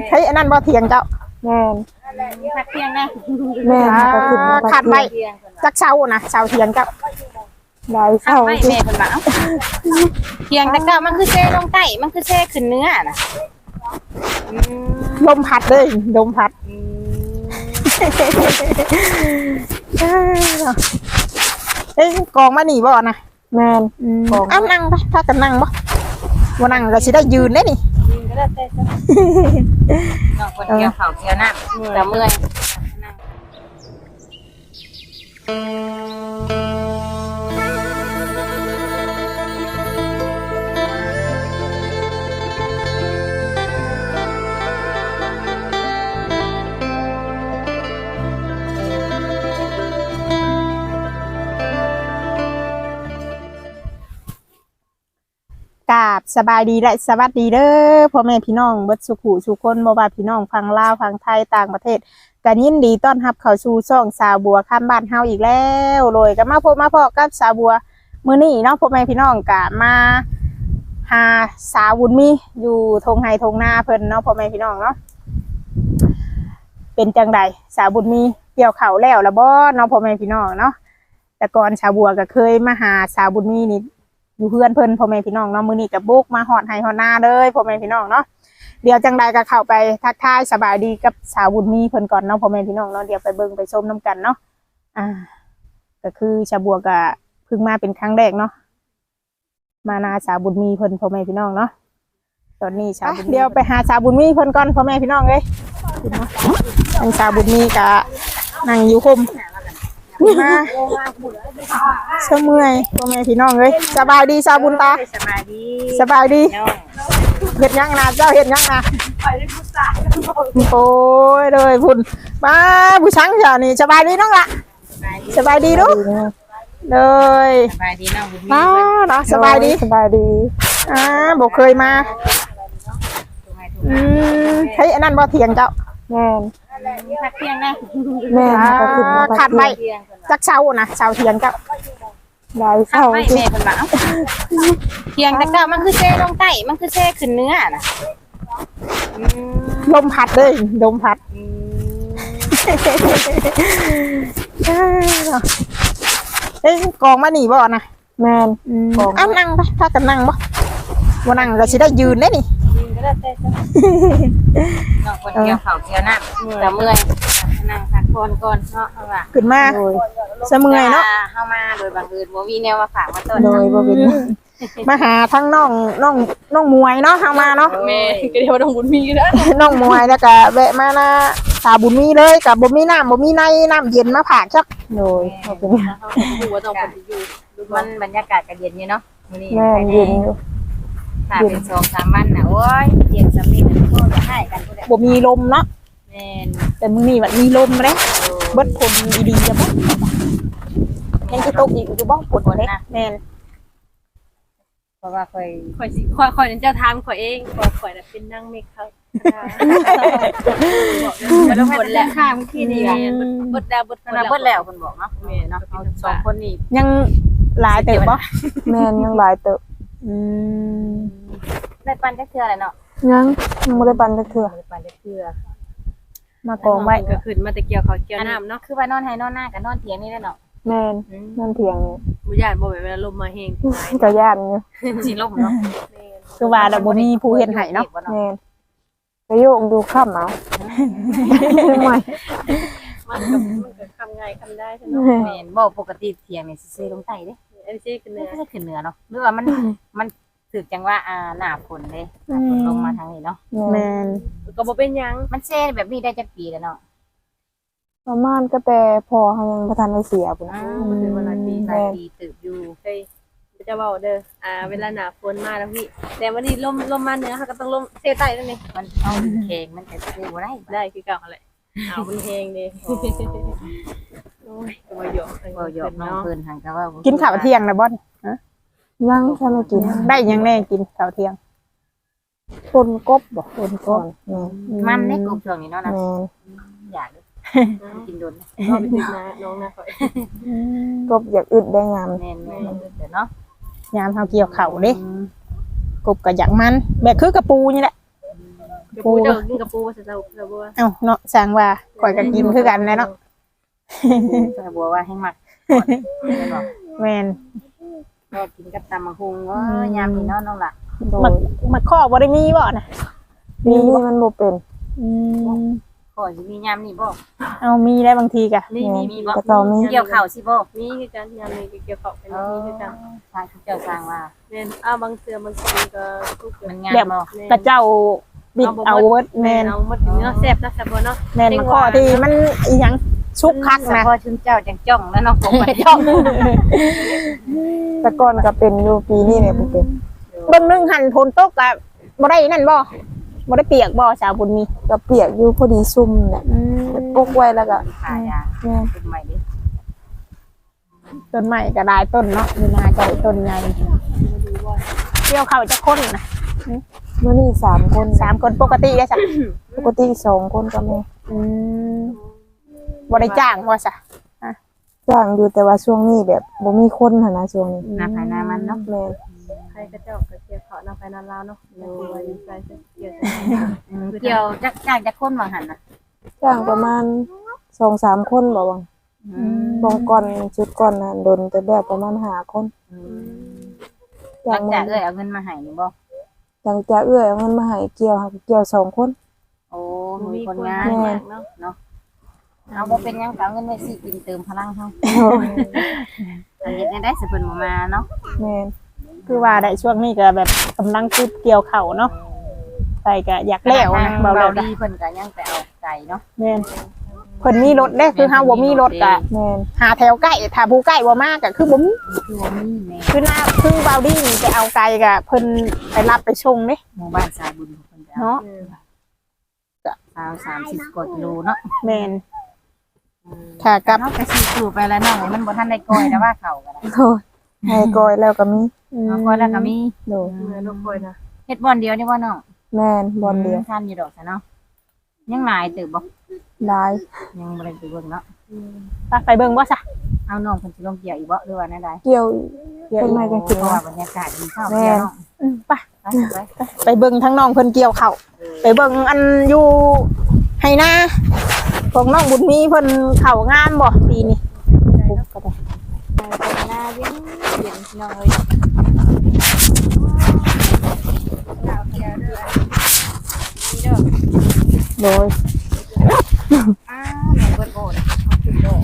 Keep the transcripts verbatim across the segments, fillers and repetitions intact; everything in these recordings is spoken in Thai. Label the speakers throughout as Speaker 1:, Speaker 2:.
Speaker 1: เฮ้ยอันนั้นบ่เถียงเจ้า
Speaker 2: แม่น
Speaker 3: พักเที่ยงนะ
Speaker 2: แม่นก็ขึ้นมา
Speaker 1: ขาดไปจักเช้านะเช้าเถียงเจ้า
Speaker 2: ได้
Speaker 3: พัก
Speaker 2: เช้า
Speaker 3: ไม่แม่เพิ่นว่าเที่ยงแต่ก็มันคือเซ่ลงใต้มันคือเซ่ขึ้นเนื้อน่ะอืม
Speaker 1: ลมพัดเลยลมพัด
Speaker 3: อืม
Speaker 1: เฮ้ยกองมาหนีบ่นะ
Speaker 2: แม่น
Speaker 1: อ้านั่งไปถ้ากันนั่งบ่ว่านั่งก็สิได้ยืนได้นี่
Speaker 3: ยิงก็ได้แต่น้องคนเกี่ยวข้าวเกี่ยวน้ำแต่เมื่อย
Speaker 1: กราบสบายดีและสวัสดีเด้อพ่อแม่พี่น้องเบิดสุขุสุคนบ่ว่าพี่น้องฟังลาวฟังไทยต่างประเทศก็ยินดีต้อนรับเข้าสู่ช่องสาวบัวข้ามบ้านเฮาอีกแล้วโดยก็มาพบมาพอกับสาวบัวมื้อนี้เนาะพ่อแม่พี่น้องก็มาหาสาวบุญมีอยู่ทงไห้ทงนาเพิ่นเนาะพ่อแม่พี่น้องเนาะเป็นจังไดสาวบุญมีเกี่ยวข้าวแล้วล่ะบ่เนาะพ่อแม่พี่น้องเนาะแต่ก่อนสาวบัวก็เคยมาหาสาวบุญมีนี่อยู่เพื่อนเพิ่นพ่อแม่พี่น้องเนาะมื้อนี้ก็บุกมาฮอดไห้ฮอดนาเลยพ่อแม่พี่น้องเนาะเดี๋ยวจังใดก็เข้าไปทักทายสบายดีกับสาวบุญมีเพิ่นก่อนเนาะพ่อแม่พี่น้องเนาะเดี๋ยวไปเบิ่งไปชมน้ำกันเนาะอ่าก็คือชาวบัวก็เพิ่งมาเป็นครั้งแรกเนาะมานาสาวบุญมีเพิ่นพ่อแม่พี่น้องเนาะตอนนี้ชาวบุญเดี๋ยวไปหาสาวบุญมีเพิ่นก่อนพ่อแม่พี่น้องเอ้ยอันสาวบุญมีก็นั่งอยู่คุมมาเชื่อเมื่อยพ่อแม่พี่น้องเอ้ยสบายดีสาวบุญตา
Speaker 3: สบายดี
Speaker 1: สบายดี
Speaker 3: น้อง
Speaker 1: เห็ดยังนะเจ้าเห็ดยังนะโอ้ยเลยพุ่นมาผู้ช้างเจ้านี่สบายดีน้องละสบายดีลูกเลย
Speaker 3: สบายดีน้องบุญมี
Speaker 1: มาเนาะสบายดี
Speaker 2: สบายดี
Speaker 1: อ่าบอกเคยมาอืมเฮ้ยอันนั้นบ่เถียงเจ้า
Speaker 2: แม่น
Speaker 3: พักเที่ยงนะ
Speaker 2: แม่นก็ขึ้นมา
Speaker 1: ขาดไปจักเช้านะเช้าเถียงเจ้า
Speaker 2: ได้
Speaker 3: พั
Speaker 2: เช้าก
Speaker 3: ไม่แม่เพิ่นว่าเที่ยงแต่ก็มันคือเซ่ลงใต้มันคือเซ่ขึ้นเนื้อน่ะอืม
Speaker 1: ลมพัดเลยลมพัด
Speaker 3: อืม
Speaker 1: เฮ้ยกองมาหนีบ่นะ
Speaker 2: แม่น
Speaker 1: อ้านั่งไปถ้ากันนั่งบ่ว่านั่งก็สิได้ยืนได้นี่
Speaker 3: ยิงก็ได้แต่น้องคนเกี่ยวข้าวเกี่ยวน้ำแต่เมื่อยนั่งพักผ่อนก่อนเนาะเอาล่ะ
Speaker 1: ขึ้นมาเสเมื่อยเนาะ
Speaker 3: เข้ามาโดยบังเอิญบ่มีแนวมาฝากมาต้น
Speaker 2: โดยบ่เป็น
Speaker 1: มาหาทั้งน้องน้องน้องมวยเนาะทางมาเนาะ
Speaker 3: แม่
Speaker 4: ก็เดี๋ยวต้องบุญมีก็ได้
Speaker 1: น้องมวยแล้วก็แวะมานะสาวบุญมีเลยกับบ่มีน้ำบ่มีในน้ำเย็นมาผากจัก
Speaker 2: โดยบ่เป็น
Speaker 4: หัวต้องคนที่อยู่
Speaker 3: มันบรรยากาศก็เย็นอยู่เนาะมื้อนี้
Speaker 2: แม่นเย็นอยู่
Speaker 3: ถ้าเป็นสองสามวันน่ะโอ้ยเย็นสำลีกันโคตรจะให้กันพุ่นแหละ
Speaker 1: บ่มีลมเนาะ
Speaker 3: แม่น
Speaker 1: แต่มื้อนี้มันมีลมเด้เบิดคนดีๆจะบ่ยังสิตกอีกอยู่บ่ฝนบ่เด้แม่น
Speaker 3: เพราะว่าเคย
Speaker 4: ข่อยสิข่อยข่อยนั่นเจ้าทามข่อยเองข่อยข่อยน่ะเป็นนั่งเมฆครับมันหมดแล้วข้ามขี้นี่บดดาวบด
Speaker 3: มันเบิดแล้วเพิ่นบอกเนาะแม่เนาะเอาสองคนนี่
Speaker 1: ยังหลายเติบบ่
Speaker 2: แม่นยังหลายเติบ
Speaker 1: อืม
Speaker 3: ได้ปันจักเทื่อเลยเนาะ
Speaker 2: ยังยังบ่ได้ปันจักเทื่อ
Speaker 3: ได้ปันจักเทื่อ
Speaker 1: มากองไว้
Speaker 4: ก็ขึ้นมาแต่เกี่ยวเขาเกี่ยวน้ำเนาะ
Speaker 3: คือว่านอนให้นอนหน้ากับนอนเถียงนี่แหละเนาะ
Speaker 2: แม่นนั่นเถียง
Speaker 4: บุญญาติบ่เวลาลมมาเฮง
Speaker 2: ก็ย่านอยู่
Speaker 3: สิลมเนาะ
Speaker 1: คือว่าแล้วบ่มีผู้เฮ็ดให้เนาะ
Speaker 2: แม่นไปโยกดูค่ำเอาไม่
Speaker 4: มันก็มันก็ทำไงทำได้ใช่ไหม
Speaker 3: แม่นบ่ปกติเถียงนี่สิซื้อลงใต้เด้
Speaker 4: อันนี้คือ
Speaker 3: เนื้
Speaker 4: เนื้
Speaker 3: อ
Speaker 4: อ
Speaker 3: ก็จะขึ้นเหนือเนาะหรือว่ามันมันถือจังว่าอ่าหน้าฝนเด้หน้าฝนลงมาทางนี้เนาะ
Speaker 2: แม่
Speaker 1: แม่น
Speaker 4: ก็บ่เป็นยัง
Speaker 3: มันเซ่แบบนี้ได้จักปีแล้วเนาะ
Speaker 2: ประมาณก็แต่พอเขายังบ่ทันได้เสียพุ่น
Speaker 3: อ่า
Speaker 4: คือวันละปี
Speaker 3: หลายปีตึกอยู่
Speaker 4: เคยจะบอกเด้ออ่าเวลาหนาฝนมาแล้วพี่แต่วันนี้ลมลมมาเหนือเขาก็ต้องลมเซใต้นั่นเอง
Speaker 3: มันเอาแข็งมันจะซื้อบ่ได้
Speaker 4: ได้คือเก่าอะไรเอามันเฮงดิโอ้ยก็มาหยอก
Speaker 3: บ่หยอกน้องเพิ่นหันก็ว่า
Speaker 1: กินข้าวเที่ยงนะบ่ฮะ
Speaker 2: ยังฉันไม่กิน
Speaker 1: ได้ยังแน่กินข้าวเที่ยง
Speaker 2: ปนกบบ่ปนกบแม่
Speaker 3: มันในกลุ่มช่วงนี้เนาะนะ
Speaker 2: แม่
Speaker 3: อยากกินโดน
Speaker 4: ก็ไปถึงนะน้องนะคอย
Speaker 2: กบอยากอึดได้งาม
Speaker 3: แม่นๆเด้อเนาะ
Speaker 1: ยามเฮาเกี่ยวข้าวเด้กบก็อยากมันแบบคือกระปูนี่แหละ
Speaker 4: กับปูเจ้ากินกับปูว่าจะเจ้าเจ้าบัว
Speaker 1: เอ้าเนาะสร้างว่าข่อยก็กินคือกันแหละเนาะ
Speaker 3: สาบัวว่าให้มักไม่บอก
Speaker 1: แม่น
Speaker 3: ก็กินกับตำมะฮุงว่ายามนี่เนาะน้องล่ะ
Speaker 2: โด
Speaker 1: มั
Speaker 2: ย
Speaker 1: กมักข้อบ่ได้มีบ่น่ะ
Speaker 2: มีนี่มันบ่เป็น
Speaker 1: อืม
Speaker 3: ก่อนสิมียามนี่บ่
Speaker 1: เอามีได้บางทีก็
Speaker 4: มีมีมี
Speaker 2: แต่เก่ามี
Speaker 3: เกี่ยวข้าวสิบ่
Speaker 4: มีคือกันยามนี้เกี่ยวข้าวเป็นมีคือกัน
Speaker 3: ทางเจ้าสร้างว่า
Speaker 4: แม่นอ้าวบางเทื่อบางทีก็ทุกเกิ
Speaker 3: มัน
Speaker 4: น
Speaker 3: งาม
Speaker 1: แบบ
Speaker 3: บ่
Speaker 1: กระเจ้าบิดเอาเวิร์ดแม่น
Speaker 4: เอาหมดเนื้อแซ่บนะแซ่บบ่เนาะ
Speaker 1: แม่นมาข้อที่มันอีหยังชุกคัก
Speaker 3: เฉ
Speaker 1: นะ
Speaker 3: พาะชุนเจ้าจังจ้องแล้วน้องผมมันจ้อง
Speaker 2: แต่ก่อนก็เป็นอยู่ปีนี้เนี่ยบ่เป็น
Speaker 1: เบิ่งหนึงหันฝนตกก็บ่ได้นั่นบ่บ่ได้เปียกบ่สาวบุญมี
Speaker 2: ก็เปียกอยู่พอดีซุ่มเนี่ย
Speaker 1: อืม
Speaker 2: ปกไว้แล้วก็
Speaker 3: ขายา
Speaker 2: แม่
Speaker 3: เป็นใหม่ดิ
Speaker 1: ต้นใหม่ก็ได้ต้นเนาะมีนาใจต้นใหญ่เกี่ยวเข้าจะคนนะ
Speaker 2: มื้อนี้สามคน
Speaker 1: สามคนปกติได้จ้ะ
Speaker 2: ปกติสองคนก็แม่
Speaker 1: อืมบ่ได้จ้างว่าซะ
Speaker 2: จ้างอยู่แต่ว่าช่วงนี้แบบบ่มีคนหั่นนะช่วงนี้
Speaker 3: หน้าภายหน้ามันเนาะ
Speaker 2: แม่
Speaker 4: ใครก็เจ้าก็เกี่ยวข้าวนำไปนานลาวเนาะโอ้ยใจจะเกี่ยว
Speaker 3: เกี่ยวจักจ้างจักคนว่าหั่นน่ะ
Speaker 2: จ้างประมาณสองสามคนบ่ว่า
Speaker 3: อืม
Speaker 2: บางก่อนชุดก่อนน่ะโดนแต่แบบประมาณห้าคน
Speaker 3: หลัง
Speaker 2: จ้า
Speaker 3: จาง กเอ้ยเอาเงินมาให้นี่บ่
Speaker 2: หลังจากเอื้อยเอาเงินมาให้เกี่ยวค่ะเกี่ยวสองคน
Speaker 3: โอ้
Speaker 4: มี
Speaker 3: มี
Speaker 4: ค
Speaker 3: คน น
Speaker 4: งาง
Speaker 3: าน น
Speaker 4: เนาะ
Speaker 3: เนาะเอาบ่เป็นหยังก็เอาเงินไว้สิกินเติมพลังเฮาอันเฮ็ดได้ได้สิเพิ่นบ่มาเนาะ
Speaker 2: แม่น
Speaker 1: คือว่าได้ช่วงนี้ก็แบบกำลังคุดเกี่ยวเข้าเนาะไปก็อยากแล้วนะ
Speaker 3: เบา
Speaker 1: เบาแล้ว
Speaker 3: ดีเพิ่นก็ยังไปเอาไก่เนาะ
Speaker 1: แม่นเพิ่นมีรถเด้คือเฮาบ่มีรถก็
Speaker 2: แม่น
Speaker 1: หาแถวใกล้ถ้าผู้ใกล้บ่มากก็คือบ่มี
Speaker 3: คือว่ามีแม่
Speaker 1: คือหน้าคือเบาดี้นี่ไปเอาไกลก็เพิ่นไปรับไปชงเด้
Speaker 3: หมู่บ้านสายบุญเพิ่นไปเอา
Speaker 1: เนาะ
Speaker 3: สาวสามสิบกว่ากิโลเนาะ
Speaker 1: แม่นค่ะกับ
Speaker 3: เนาะก็สิสู่ไปแล้วเนาะมันบ่ทันได้ก้อยแต่ว่าเข้าก็ได้
Speaker 2: โทษให้กอยแล้วก็มี
Speaker 3: เนาะก้อยแล้วก็มี
Speaker 2: โดย
Speaker 4: เมื่อลูกคอยนะ
Speaker 3: เฮ็ดบ่อนเดียวนี่บ่น้อง
Speaker 2: แม่นบอลเดียว
Speaker 3: ทันอยู่ดอกซะเนาะยังหลายเติบบ่
Speaker 2: หลาย
Speaker 3: ยังบ่ได้ไปเบิ่งเนาะ
Speaker 1: ไปเบิ่งบ่ซะ
Speaker 3: เอาน้องเพิ่นสิลงเกี่ยวอีกบ่หรือว่าแนวใด
Speaker 2: เกี่ยวต้นไม้จัง
Speaker 3: เพ
Speaker 2: สิง
Speaker 3: ราะว่า
Speaker 2: นะ
Speaker 3: บรรยากาศดีเข้าเกี่ยวเนาะ
Speaker 1: อืมไป
Speaker 3: ไปไป
Speaker 1: ไปเบิ่งทั้งน้องเพิ่นเกี่ยวข้าวไปเบิ่งอันอยู่ให้หน้าของน้องบุญมีเพิ่นเข้างามบ่ปีนี้ปุ๊บก็ได้
Speaker 3: ไปหน้าเย็นเย็นพี่น้องเอ้ยเอาเกี่ยวเด้อนี่เด้อ
Speaker 1: โดย
Speaker 3: อ้าแม่เบิดโอดเอาขึ้นดอก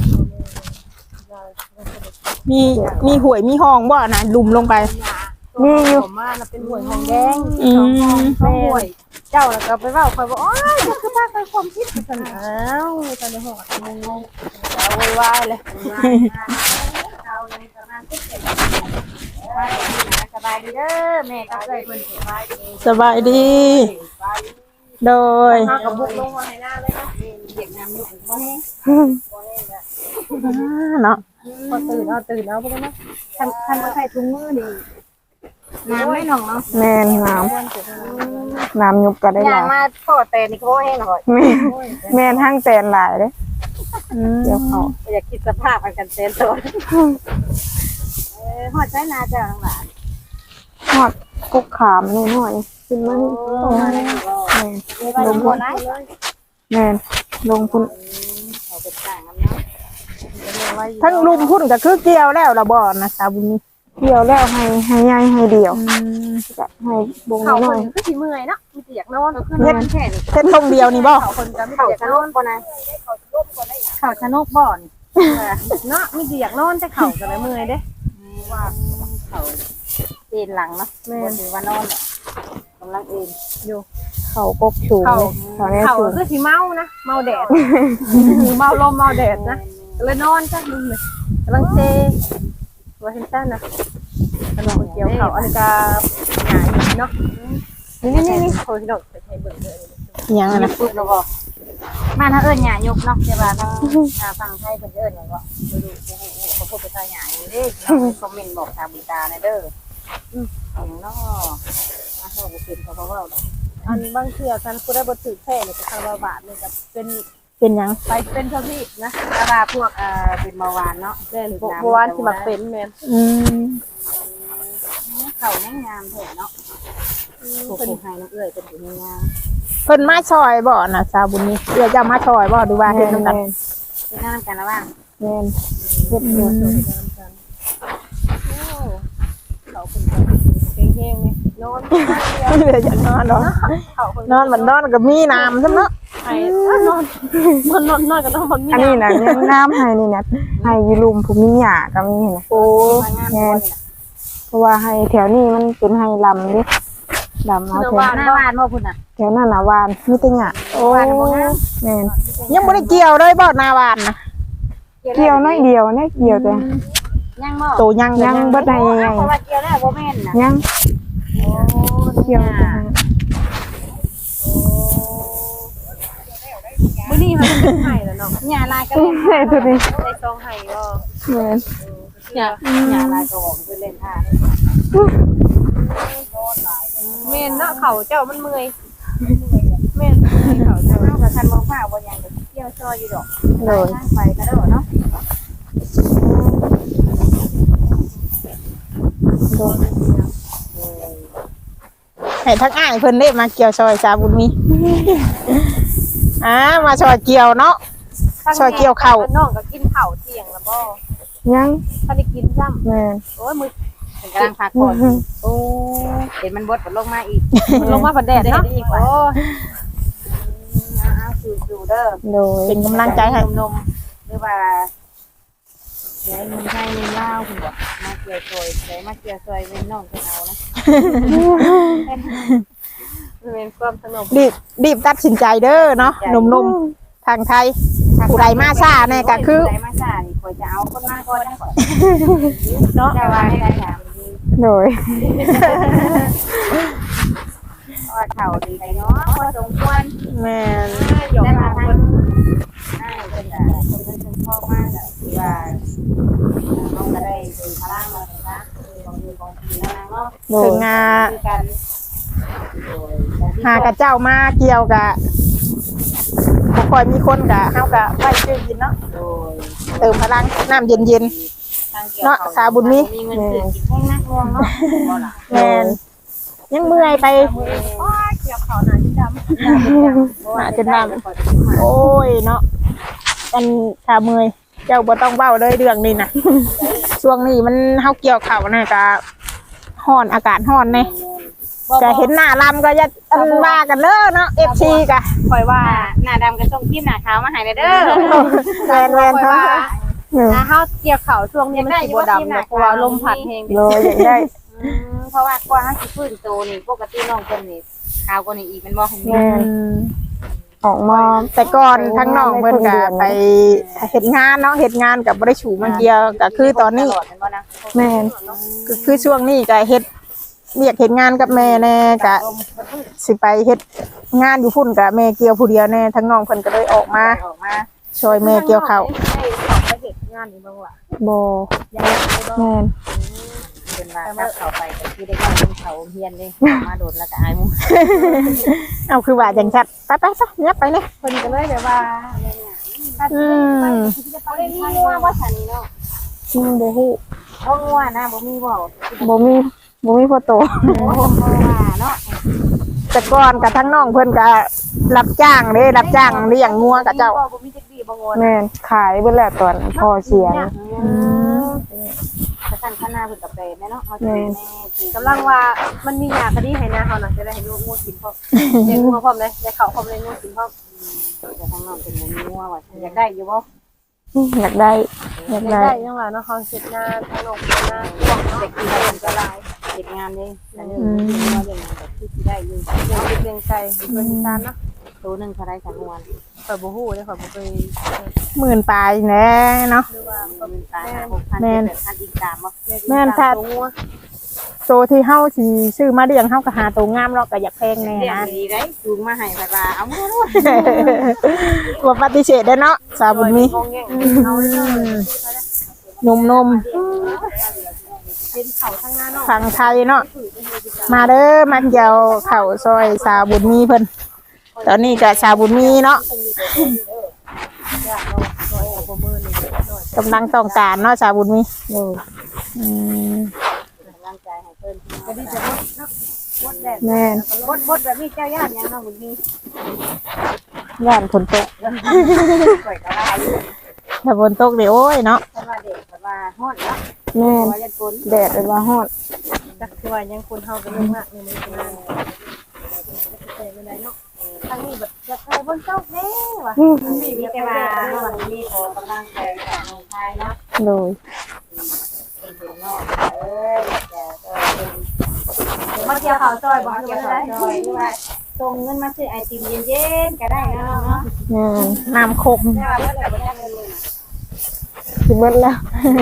Speaker 1: มีมีหวยมีห้องบ่นะลุมลงไป
Speaker 2: มีอยู่
Speaker 4: ผมมาน่ะเป็นหวยหงแดง
Speaker 1: อืม
Speaker 4: แม่หวยเจ้าแล้วก็ไปเว้าคอยบอกโอ้ยคือพาไปความคิดกันอ้าวตอนนี้หอดงงๆเอาไว้ไว้เลย
Speaker 3: เอาเลยประมาณสิบเจ็ดสบายดีเด้อแม่ก็เคยเพิ่นสบายดี
Speaker 1: สบายดี โดย
Speaker 4: มากับบุกลงมาให้หน้าเลยนะ
Speaker 3: เด็กน้ำอยู่บ่แห้ง
Speaker 1: เนาะ
Speaker 4: พอตื่นเอาตื่นเอาไปเลยนะ
Speaker 3: คันคันบ่ใส่ถุงมือนี่น้ำไม่น้องเนาะ
Speaker 2: แม่นน้ำน้ำยุบก็ได้ห
Speaker 3: ย่า
Speaker 2: ลาง ย
Speaker 3: มาพ่อแต่นี่ก็บ่แห้งหน่อย
Speaker 2: แม่นแม่นทั้งแตนหลายเด้
Speaker 1: อืม
Speaker 2: เกี่ยวเขา
Speaker 3: อยากคิดสภาพมันกันเต้นตัวเออฮอดใช้นาเจ้าทั้งหลาย
Speaker 2: ทอดกุกขามนิดหน่อยขึ้นมานี่
Speaker 3: โอ้มาได้บ่
Speaker 2: แม่น
Speaker 3: ลงบ่ได้
Speaker 2: แม่นลงพุ่น
Speaker 3: เขาเป็นต่างกันเนาะ
Speaker 1: ทั้งลุมพุ่นก็คือเกี่ยวแล้วละบ่นะสาวบุญมี
Speaker 2: เกี่ยวแล้วให้ให้ใหญ่ให้เดียว
Speaker 1: อืม
Speaker 2: จะให้บง
Speaker 4: เขา
Speaker 2: ห
Speaker 4: ค
Speaker 2: น่อน ย
Speaker 4: ก็สิเมื่อยเนาะมีแต่อยากนอน
Speaker 3: ขึ้นมาแค่นี้
Speaker 1: เส้นทงเดียวนี่บ่
Speaker 4: เขาคนก็มีแต่
Speaker 3: เขา
Speaker 4: อยาก
Speaker 3: ชะ
Speaker 4: น
Speaker 3: โน
Speaker 4: อน
Speaker 3: กบ่นะเขาชะโนกบ่นี่
Speaker 4: เนาะมีแต่อยากนอนแต่เขาก็เลยเมื่อยเด้
Speaker 3: ว่าเขาเอ็นหลังเนาะแม่ถือว่านอนเนี่ยกำลังเอ็น
Speaker 2: เขากกสูงเลยเขาแน่
Speaker 4: เขา
Speaker 2: สูง
Speaker 4: คือสิเมานะเมาแดดเมาลมเมาแดดนะก็เลยนอนจ้ะนึงเลยกำลังเซว่าเห็นต้นนะกำลังเกี่ยวเขาอันนี้ก็หงายอยู่เนาะนี่นี่นี่โคตรดอกไปใช้เบิ่งเลย
Speaker 1: อิหยังอะ
Speaker 3: นะ
Speaker 1: นะ
Speaker 3: ปุ๊บแล้วก็มาทางเอิ้นหยาหยกเนาะแต่ว่าทางทางฝั่งไทยเพิ่นเอิ้นหยังก็บ่รู้โอ้โหเขาพูดภาษาหยาอยู่เด้คอมเมนต์บอกทางบุตานะเด้ออือหยังเนาะอ่ะเฮาบ่เป็นเขาบ่เว้าดอก
Speaker 4: อันบางเทื่อกันกูได้บ่ถือแท้เลยก็คาราบาทเลยกับเป็น
Speaker 1: เป็นหยัง
Speaker 4: ไปเป็นเท่าที่นะ
Speaker 3: แต่ว่าพวกเอ่อเป็นเบาหวานเนาะ
Speaker 4: แม่นบ่บ่วานที่มักเป็นแม่น
Speaker 1: อืม
Speaker 3: เขาแม่งงามแท้เนาะผู้ผู้ให้น้ำเอื้อยเป็นผู้งาม
Speaker 1: เพิ่นมาซอยบ่น่ะสาวบุญมีเอื้อจะมาซอยบ่ดูว่าเฮ็ดนำกัน
Speaker 3: ที่นั่นกันแล้วบ้าง
Speaker 2: แม่นเฮ็ดอยู่
Speaker 4: เขาเป็นเฮงๆนี่นอน
Speaker 1: เหลือจะนอนเนาะ
Speaker 4: เขาคน
Speaker 1: นอนมันนอนก็มีน้ำซั่นเนาะ
Speaker 4: ไอ้นอนมันนอนนอนกันต้องมันมี
Speaker 2: อันนี้น่ะยังน้ำให้นี่นะให้อยู่ลุมผู้มีหญ้าก็มีนะ
Speaker 1: โอ้
Speaker 3: งานบ่
Speaker 2: เพราะว่าให้แถวนี้มันเป็นให้ลำเด้ลำเอาแถว
Speaker 3: หน้าบ้านบ่พุ่นน่ะ
Speaker 2: แถวนั้นน่ะหวานมีแต่หญ้า
Speaker 1: โอ้
Speaker 2: แม่น
Speaker 1: ยังบ่ได้เกี่ยวเลยบ่หน้าบ้านน่ะ
Speaker 2: เกี่ยวน้อยเดียวนะเกี่ยวแต่
Speaker 3: ยังบ่
Speaker 1: โตยัง
Speaker 2: ยังเบิดได้ยังไง
Speaker 3: เพราะว่าเกี่ยวแล้วบ่แม่นน่ะ
Speaker 2: ยัง
Speaker 3: โอ้
Speaker 2: เกี่ยวแต่
Speaker 4: มื้อนี้มันเป็นไห้แล้วเนาะ
Speaker 3: หญ้าลายก็เล่น
Speaker 2: แม่ตัวนี้
Speaker 4: ในซองไห้บ่
Speaker 2: แม่น
Speaker 4: เนี่ย
Speaker 3: หญ้าลายก็ออกไปเล่นท่า
Speaker 4: แม่นเนาะเขาเจ้ามันเมื่อยแม่นเขา
Speaker 3: ถ้า
Speaker 4: เจ้า
Speaker 3: เฮาก็ทันบ่ฟ้าบ่ยังก็เกี่ยวซอยอยู่ดอก
Speaker 2: โดย
Speaker 3: ทางไปก็ได้เนาะ
Speaker 2: โดย
Speaker 1: ให้ทั้งอ้ายเพิ่นได้มาเกี่ยวซอยสาวบุญมีอ่ามาซอยเกี่ยวเนาะ ซอยเกี่ยวข้าว
Speaker 4: น้องก็กินข้าวเที่ยงแล้วบ่
Speaker 2: ยัง
Speaker 4: ถ้าได้กินซ้ำ
Speaker 2: แม่น
Speaker 4: โอ้ยมือ
Speaker 3: เป็นกำลังพักผ่อนโอ้เห็นมันบดมันลงมาอีก
Speaker 4: ลงมาฝันแดดเนาะโอ้
Speaker 3: อ้าวสูๆเด้อ
Speaker 2: โดย
Speaker 1: เป็นกำลังใจให้
Speaker 3: นมๆหรือว่าเดี๋ยวมันให้เงินเล่าคุณบอกมาเกี่ยวซอยเดี๋ยวมาเกี่ยวซอยเป็นน้องเป็นเอานะ
Speaker 4: มันเป็นความสนุก
Speaker 1: รีบรีบตัดสินใจเด้อเนาะหนุ่มๆทางไทย ผู้ใดมาช้าแน่ก็คือ
Speaker 3: ผู้ใดมาช้านี่ข่อยจะเอาคนมาก่อนนะข่อยเนาะแต่ว่าให้ได้ถามดี
Speaker 2: โดย
Speaker 3: เพราะว่าเขาดีใจเนาะพอสมควร
Speaker 1: แม่น
Speaker 4: หยอก
Speaker 3: ได้มา
Speaker 4: มา
Speaker 3: ทางใช่เป็นแบบคนเป็นคนพ่อมากแบบว่าน้องก็ได้ดูพลังมาเลยนะของดูของทีแล้วนะเนาะ
Speaker 2: โด
Speaker 1: ถึ
Speaker 2: ย
Speaker 1: งงา
Speaker 3: คือกัน
Speaker 1: หากระเจ้ามาเกี่ยวกะบ่ค่อยมีคนกะเฮากะไว้ซื้อกินเนาะ
Speaker 3: โดย
Speaker 1: เติมพลังน้ำเย็น เนาะสาบุญมี
Speaker 3: มีเงินซื้อกินแห้งนักง่วงเนาะบ่ล่ะ
Speaker 1: ๆแม่นยังเมื่อยไป
Speaker 4: โอ้ยเกี่ยวเขาหนาที่ดำ
Speaker 1: มาจนว่าโอ้ยเนาะมันขาเมื่อยเจ้าบ่ต้องเว้าเลยเรื่องนี้น่ะ ช่วงนี้มันเฮาเกี่ยวข้าวน่ะกะร้อนอากาศร้อนแน่จะเห็นหน้าลำก็จะอันว่ากันเด้อเนาะ เอฟ ซี กะ
Speaker 4: คอยว่า
Speaker 3: หน้าดำกับส้มทิมหน้าขาวมาให้เด้อ
Speaker 1: แวนแวน
Speaker 4: คอย
Speaker 1: เขา
Speaker 4: ว่าถ้าเฮาเกี่ยวเขาช่วงนี้มันสิบ่ดำนะเพราะว่าลมพัดแฮง
Speaker 2: โดยอยากได้
Speaker 3: เพราะว่ากว่าเฮาสิฟื้นโตนี่ปกติน้องเพิ่นนี่ขาวกว่านี้อีกมันบ่เห็น
Speaker 2: แม่นออกมา
Speaker 1: แต่ก่อนทั้งน้องเพิ่นก็ไปเฮ็ดงานเนาะเฮ็ดงานกับบ่ได้ฉูมาเกี่ยวก็คือตอนนี้
Speaker 2: แม่น
Speaker 1: คือคือช่วงนี้ก็เฮ็ดเรียกเฮ็ดงานกับแม่แน่ก็สิไปเฮ็ดงานอยู่พุ่นกับแม่เกี่ยวผู้เดียวแน่ทั้งน้องเพิ่นก็เลยออกมา
Speaker 3: ออกมา
Speaker 1: ช่วยแม่เกี่ยวข้าว
Speaker 4: ไปเฮ็ดงานนี่บ่ว่า
Speaker 2: บ่แม่น
Speaker 3: เป็นว่าถ้าเข้าไปก็คือได้เข้าเขาเฮียนเลยมาโดนแล้วก็อายหมู่
Speaker 1: เอาคือว่าจังซั่นไปๆซะยับไปเลย
Speaker 4: เพิ่นก็เลยแบบว่า
Speaker 1: อืม
Speaker 3: เขาได้มีงัวบ่ฉันนี่เนาะ
Speaker 2: อืมบ่ฮู้
Speaker 3: บ่งัวนะบ่มีบ่
Speaker 2: บ่มีบ่มีพ่อโต
Speaker 3: โอ้บ่ว่าเนาะ
Speaker 1: แต่ก่อนกับทั้งน้องเพิ่นก็รับจ้างเด้รับจ้างเลี้ยงงัวกับเจ้า
Speaker 4: บ่มีจักดีบ่งอน
Speaker 2: แม่นขายเบิดแล้วตอนพ่อเสียนะ
Speaker 3: อืมถ้าท่านคณะเพิ่นก็เป็นแม่เนาะเฮาสิแม่คือก
Speaker 4: ำลังว่ามันมีหยาคดีให้นะเฮาน่ะจะได้ให้ลูกงูกินพร้อมเลี้ยงงูพร้อมเลยได้ข้าวพร้อมเลยงูกินพร้อม
Speaker 3: แต่ทางน้องเป็นบ่มีงัวว่าอยากได้อยู่บ่
Speaker 2: อยากได้อยาก
Speaker 4: ได้
Speaker 2: ได้
Speaker 4: ยังว่าเนาะเฮาเฮ็ดงานทางโรงงานพวกเนาะ
Speaker 3: เด็กที่ได้อันตรายเฮ็ดงานเด้อันนี้งัวเรื่องนั้นก็คือสิได้อยู่
Speaker 4: เลี้ยงเป็ดเลี้ยงไก่เลี้ยงอีสานเนาะ
Speaker 3: ตัวหนึงเท่าไรสักงวน
Speaker 4: ข่อยบ่ฮู้เด้ข่อยบ่เคย
Speaker 1: หมื่นปลายแน่เนาะ
Speaker 4: หรือว่า
Speaker 3: ตัวมันตายหกพัน
Speaker 1: แม่น
Speaker 3: เจ็ดพันอีกสามบ่
Speaker 1: แม่นถ้าโตที่เฮาสิซื้อมาเลี้ยงเฮาก็หาโตงามเนาะก็อยากแพงแน่
Speaker 3: เลี้ยง
Speaker 1: นะ
Speaker 3: ดีได้จูงมาให้แบบว่าเอามือ
Speaker 1: บ่ปฏิเสธได้เนาะสาวบุญมี
Speaker 4: งงแงงเอาเด้อ
Speaker 1: หนุ่ม
Speaker 4: เป็นเขาทางงานเนาะ
Speaker 1: ๆฝั่งไทยเนาะมาเด้อมาเกี่ยวข้าวซอยสาวบุญมีเพิ่นตอนนี้ก็สาวบุญมีเนาะกำลังต้องการเนาะสาวบุญมี
Speaker 2: โดย
Speaker 1: อืม
Speaker 3: ร่างกายให้เพิ่น
Speaker 4: ก็ดีจะบ่เนาะ
Speaker 3: แดด
Speaker 2: แม่น
Speaker 3: บดบดแบบนี้เจ้าย่านยังน้องบุญมี
Speaker 2: ย่านฝนตก
Speaker 3: ข่อยก็ว่าอยู่
Speaker 1: ถ้าฝนตกเดี๋ยวโอ้ยเนาะ
Speaker 3: แต่ว่าเด็กแต่ว่าฮ้อนเนาะ
Speaker 2: แม่น
Speaker 3: ว่ายันฝน
Speaker 2: แดดเลยว่าฮอด
Speaker 4: จักคือว่ายังคนเฮากันเรื่องมากในมือคนนั้นแต่ไม่ได้เนาะ
Speaker 3: ทางนี้แบบจะไปบนเจ้าแน่ว่ะ
Speaker 2: อืม
Speaker 3: มีแต่ว่าน้องบุญมีขอกำลังใจจากน้องชายเนาะ
Speaker 2: โดย
Speaker 3: เป็นเด็กนอกเอ้ยแต่ก็เป็นมาเกี่ยวข้าวซอยบ่เกี่ยวข้าวซอยหรือว่าส่งเงินมาซื้อไอติมเย็นๆก็ได้นะเนาะ
Speaker 2: แม่น
Speaker 1: น้ำโคก
Speaker 3: แต่ว่าเมื่อไหร่บ่ได้เงินเลยนะ
Speaker 2: สิเบิดแล้ว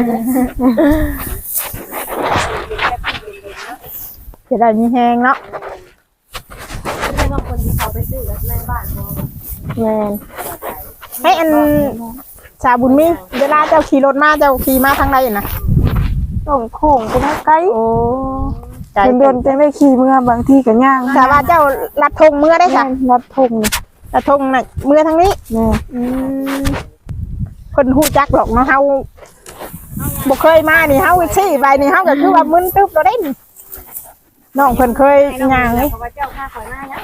Speaker 1: จะได้มีแห้งเนาะ
Speaker 4: เรื่องของคนที่เขาไปซื้อในบ้านบ่
Speaker 2: แม่น
Speaker 1: ให้อันชาบุญมีเวลาเจ้าขี่รถมาเจ้าขี่มาทางใดน่ะ
Speaker 2: ต้องโค้งไปทางไกล
Speaker 1: โอ้ไกล
Speaker 2: เดินๆจังได้ขี่เมื่อบางทีก็ย่าง
Speaker 1: แต่ว่าเจ้าลัดธงเมื่อได้
Speaker 2: แม่
Speaker 1: ค่ะ
Speaker 2: นรัดทงนี่
Speaker 1: ลัดธงน่ะเมื่อทางนี้
Speaker 2: แม่น
Speaker 1: อืมคนฮู้จักหรอกเนาะเฮาบ่เคยมานี่เฮาชี้ไปนี่เฮาก็คือว่ามึนตึ๊บเราได้นี่น้องเพิ่นเคยย่างนี่
Speaker 3: เพราะว่าเจ้าข้าข่อยมานะ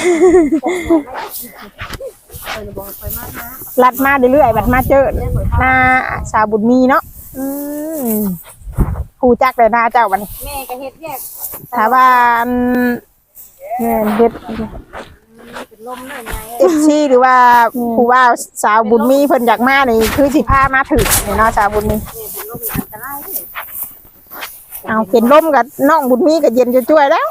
Speaker 4: เออบ่ค่อยมากนะ
Speaker 1: ลัดมาเรื่อยๆบัดมาเจอหน้าสาวบุญมีเนาะอืมฮู้จักเลยหน้าเจ้าบัดนี้
Speaker 3: แม่ก็เฮ็ดแยก
Speaker 1: ถ้าว่าอัน
Speaker 2: แม่นเฮ็ด
Speaker 3: เป็นลมเลยไง
Speaker 1: เอฟซีหรือว่าผู้ว่าสาวบุญมีเพิ่นอยากมานี่คือสิพามาถึงนี่เนาะสาวบุญมี
Speaker 3: เป็นลมอันตรายเลย
Speaker 1: เอาเป็นลมกับน้องบุญมีก็เย็นจะช่วยแล้ว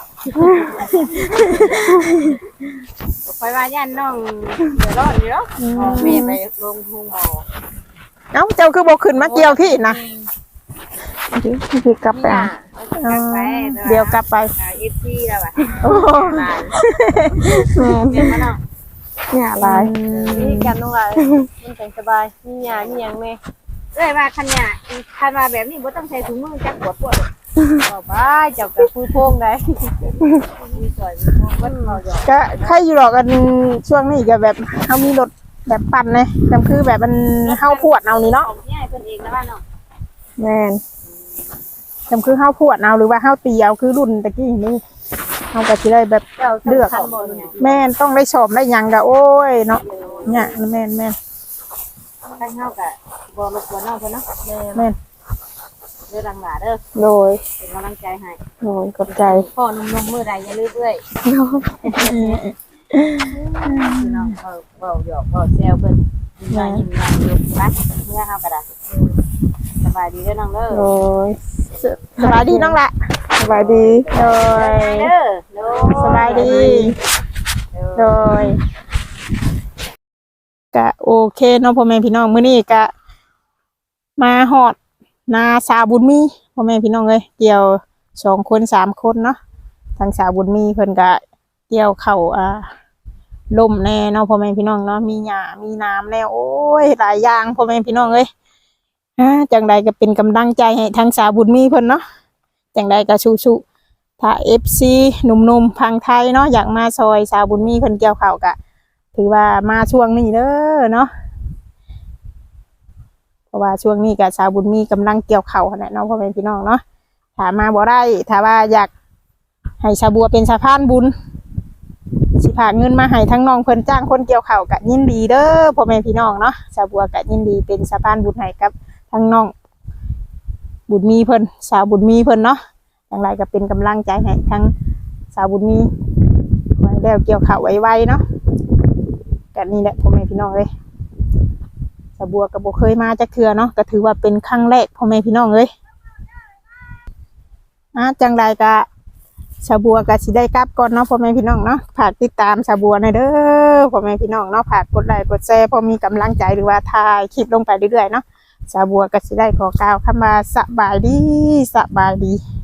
Speaker 3: ข่อยว่าย่านน้องเดือดร้อนอยู่เนาะแม่ไปลงทุ่งบ่อ
Speaker 1: เอ้าเจ้าคือบ่ขึ้นมาเกี่ยวที่นะ
Speaker 2: เดี๋ยวสิกลับไป
Speaker 3: นี่
Speaker 2: เอา
Speaker 3: น่ะไป
Speaker 1: เดี๋ยวกลับไป
Speaker 3: เอฟซีแล้วอ่ะ
Speaker 1: โอ้
Speaker 3: หลาน
Speaker 2: แม่น
Speaker 3: เป็นมาเนาะ
Speaker 2: เนี่ยหลาย
Speaker 4: นี่กันน้องหลายมันแต่งสบายมีหยามีหยังแม่
Speaker 3: เอ้ยว่าคันเนี่ยคันว่าแบบนี้บ่ต้องใช้ถุงมือจักปวดปวด
Speaker 4: บอกไปเจ้าก็คุยโพงได้
Speaker 3: มีสวยมีพวกวัดเขาหยอก
Speaker 1: ก็ใครอยู่หรอกกันช่วงนี้ก็แบบเฮามีรถแบบปั่นเลยแต่คือแบบมันเฮาพวดเอานี่เนาะ
Speaker 3: ของง่ายเพิ่นเองนะว่าเนาะ
Speaker 2: แม่น
Speaker 1: แต่คือเฮาพวดเอาหรือว่าเฮาตีเอาคือรุ่นตะกี้นี่เฮาก็สิได้แบบ
Speaker 3: เจ้า
Speaker 1: เลือก
Speaker 3: คันบ่เนี่ย
Speaker 1: แม่นต้องได้ชมได้หยังก็โอ้ยเนาะเนี่ยแม่นแม่น
Speaker 3: คันเฮาก็บ่รบกวนน้องเพิ่นเนาะ
Speaker 1: แม่น
Speaker 3: เด้อดังหลาเด้อ
Speaker 2: โดย
Speaker 3: เป็นกำลังใจให้
Speaker 2: โดยขอบใจ
Speaker 3: พ่อนุ่มๆมื้อใดอย่าลืมเอ้ย
Speaker 2: โดย
Speaker 3: พี่น้องเว้าเว้าหยอกเว้าแซวเพิ่นยิ้มหน้ายิ้มหน้าอยู่ไปเมื่อเฮาก็ได้สบายดีเด้อน้องเด้อ
Speaker 2: โดย
Speaker 1: สบายดีน้องละ
Speaker 2: สบายดี
Speaker 1: โดย
Speaker 3: เด้อโด
Speaker 1: สบายดีโดยก็โอเคเนาะพ่อแม่พี่น้องมื้อนี้ก็มาฮอดนาสาวบุญมีพ่อแม่พี่น้องเอ้ยเกี่ยวสองคนสามคนเนาะทางสาวบุญมีเพิ่นก็เกี่ยวเข้าวอ่าล่มแน่เนาะพ่อแม่พี่น้องเนาะมีหญ้ามีน้ำแน่โอ้ยหลายอย่างพ่อแม่พี่น้องเอ้ยอ่าจังใดก็เป็นกำลังใจให้ทางสาวบุญมีเพิ่นเนาะจังใดก็สู้ๆถ้า เอฟ ซี หนุ่มๆพังไทยเนาะอยากมาซอยสาวบุญมีเพิ่นเกี่ยวข้าวก็ถือว่ามาช่วงนี้เด้อเนาะเพราะว่าช่วงนี้ก็สาวบุญมีกำลังเกี่ยวข้าวนั่นแหละเนาะพ่อแม่พี่น้องเนาะถ้ามาบ่ได้ถ้าว่าอยากให้ชาวบัวเป็นสะพานบุญสิพากเงินมาให้ทั้งน้องเพิ่นจ้างคนเกี่ยวข้าวก็ยินดีเด้อพ่อแม่พี่น้องเนาะชาวบัวก็ยินดีเป็นสะพานบุญให้กับทั้งน้องบุญมีเพิ่นสาวบุญมีเพิ่นเนาะอย่างไรก็เป็นกำลังใจให้ทั้งสาวบุญมีไว้แล้วเกี่ยวข้าวไวๆเนาะก็นี่แหละพ่อแม่พี่น้องเอ้ยสาวบัวก็บ่เคยมาจักเทื่อเนาะก็ถือว่าเป็นครั้งแรกพ่อแม่พี่น้องเอ้ยอ่ะจังไรก็สาวบัวก็สิได้กลับก่อนเนาะพ่อแม่พี่น้องเนาะฝากติดตามสาวบัวหน่อยเด้อพ่อแม่พี่น้องเนาะฝากกดไลค์กดแชร์พอมีกำลังใจหรือว่าถ่ายคลิปลงไปเรื่อยๆเนาะสาวบัวก็สิได้ขอกล่าวคำว่าสบายดีสบายดี